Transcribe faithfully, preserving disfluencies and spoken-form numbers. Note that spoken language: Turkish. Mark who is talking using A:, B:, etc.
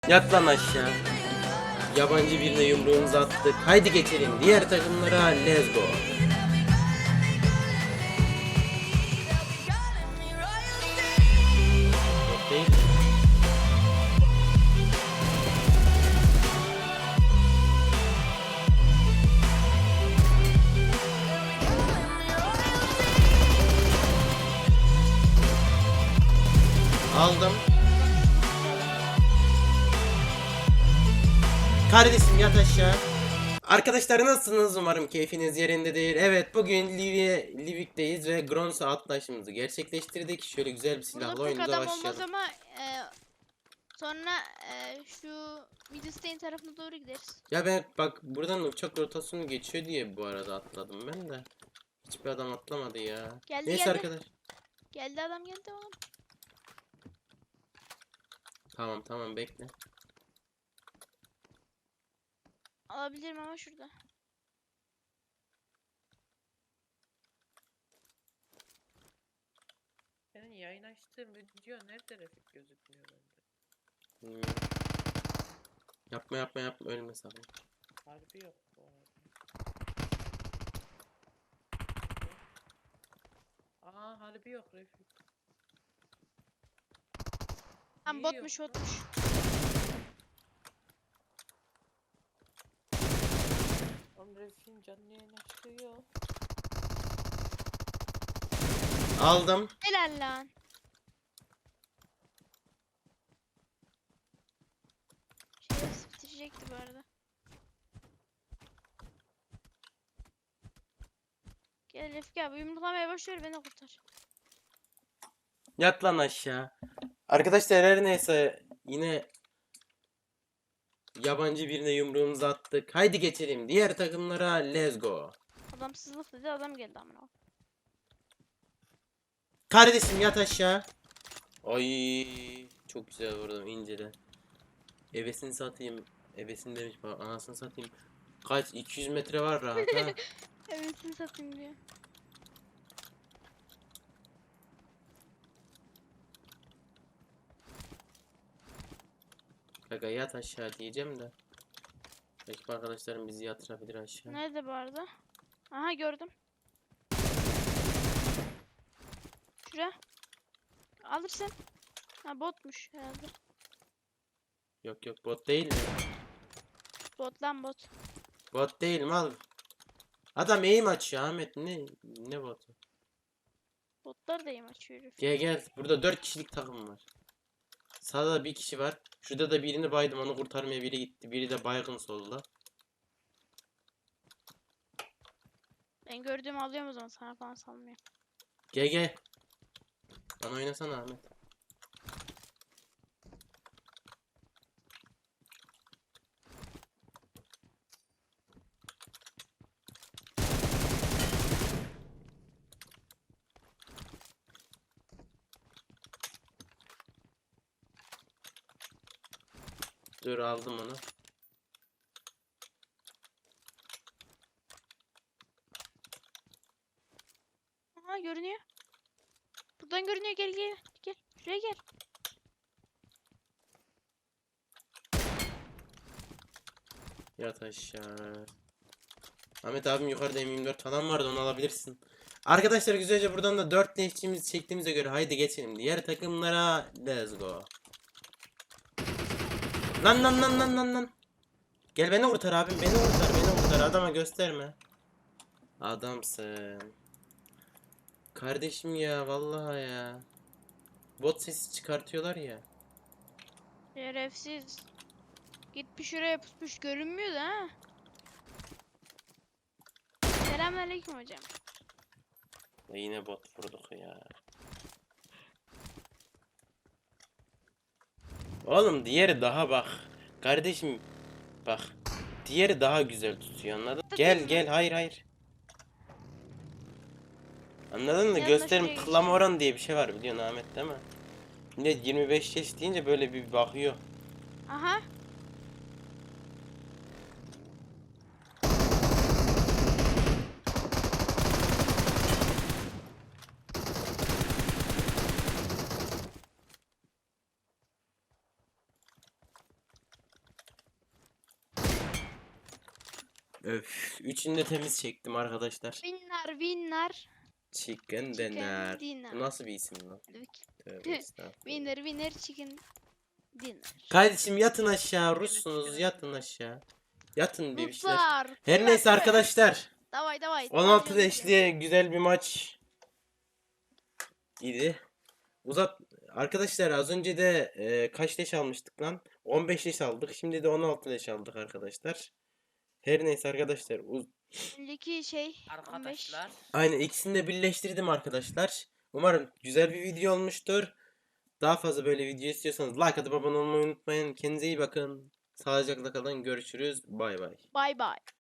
A: Yat lan aşağı. Yabancı birine yumruğumuzu attık. Haydi geçelim diğer takımlara. Let's go. Yok değil. Aldım. Kardeşim yat aşağı. Arkadaşlar nasılsınız? Umarım keyfiniz yerindedir. Evet, bugün Livie, Livik'teyiz ve Grons'a atlayışımızı gerçekleştirdik. Şöyle güzel bir silahla
B: Burada pek
A: oyunumuza
B: adam olmaz
A: başlayalım.
B: ama e, sonra e, şu Midstein tarafına doğru gideriz.
A: Ya ben bak buradan uçak rotasyonu geçiyor diye bu arada atladım ben de. Hiçbir adam atlamadı ya.
B: Geldi
A: Neyse
B: geldi.
A: arkadaş.
B: Geldi adam geldi oğlum.
A: Tamam tamam bekle.
B: Alabilirim ama şurada.
C: Senin yayın açtığın video nerede Refik gözükmüyor bende?
A: Hmm. Yapma yapma yapma ölme sakın.
C: Harbi yok bu arada. Aa harbi yok Refik.
B: Tam
C: Niye
B: botmuş
C: yok lan?
B: botmuş.
C: Oğlum Refik'in canlı yayın açtığı yok.
A: Aldım.
B: Helal lan. Şerefsiz bitirecekti bu arada. Gel Refik abi yumruklamaya başlıyor beni kurtar.
A: Yat lan aşağı. Arkadaşlar her neyse yine yabancı birine yumruğumuzu attık. Haydi geçelim diğer takımlara. Let's go.
B: Adamsızlık dedi adam geldi amına.
A: Kardeşim yat aşağı. Ay çok güzel vurdum inceden. Ebesini satayım. Ebesini demiş bak anasını satayım. Kaç iki yüz metre var rahat ha.
B: Evet sizi satayım diyor.
A: Kaka yat aşağı diyeceğim de. Belki arkadaşlarım bizi yatırabilir aşağı.
B: Nerede bu arada? Aha gördüm. Şura. Alırsın. Ha botmuş herhalde.
A: Yok yok bot değil mi?
B: Bot lan bot.
A: Bot değil mi al. Adam eğim açıyor Ahmet ne ne botu?
B: Botlar da yem açıyor herif.
A: Gel gel burada dört kişilik takım var. Sağda da bir kişi var. Şurada da birini baydım onu kurtarmaya biri gitti. Biri de baygın solda.
B: Ben gördüğümü alıyorum o zaman sana falan salmıyor.
A: Gel gel. Bana oynasana Ahmet. Dur aldım onu.
B: Aha görünüyor. Buradan görünüyor gel gel. Gel şuraya gel.
A: Yat aşağı. Ahmet abim yukarıda M yirmi dört falan vardı onu alabilirsin. Arkadaşlar güzelce buradan da dört leşçimizi çektiğimize göre haydi geçelim. Diğer takımlara let's go. Lan lan lan lan lan lan. Gel beni kurtar abim beni kurtar beni kurtar adama gösterme. Adamsın. Kardeşim ya vallahi ya. Bot sesi çıkartıyorlar ya.
B: Şerefsiz. Gitmiş şuraya pusmuş görünmüyor da ha. Selamünaleyküm hocam.
A: Ya yine bot vurduk ya. Oğlum diğeri daha bak. Kardeşim bak. Diğeri daha güzel tutuyor anladın? Gel gel hayır hayır. Anladın mı?
B: Yanına
A: Gösterim
B: şuraya
A: tıklama
B: geçeceğim.
A: oranı diye bir şey var biliyorsun Ahmet değil mi? Millet yirmi beş yaş deyince böyle bir bakıyor.
B: Aha.
A: Öf. Üçünü de temiz çektim arkadaşlar.
B: Winner winner.
A: Chicken
B: Chicken
A: dinner.
B: dinner.
A: Bu nasıl bir isim lan? Tövbe estağfurullah.
B: Winner winner chicken dinner.
A: Kardeşim yatın aşağı.
C: Beni
A: Russunuz
C: chicken
A: yatın
C: dinner.
A: aşağı. Yatın bebişler.
B: Ruslar.
A: Her neyse
B: kuvvet.
A: arkadaşlar.
B: Davay davay.
A: on altı
B: Tanrım bize.
A: leşli güzel bir maç idi. Uzat arkadaşlar az önce de e, kaç leş almıştık lan? on beş leş aldık. Şimdi de on altı leş aldık arkadaşlar. Her neyse arkadaşlar. Uz
B: Önceki şey on beş.
C: Arkadaşlar.
A: Aynen ikisini de birleştirdim arkadaşlar. Umarım güzel bir video olmuştur. Daha fazla böyle video istiyorsanız like atıp abone olmayı unutmayın. Kendinize iyi bakın. Sağlıcakla kalın. Görüşürüz. Bay bay.
B: Bye bye.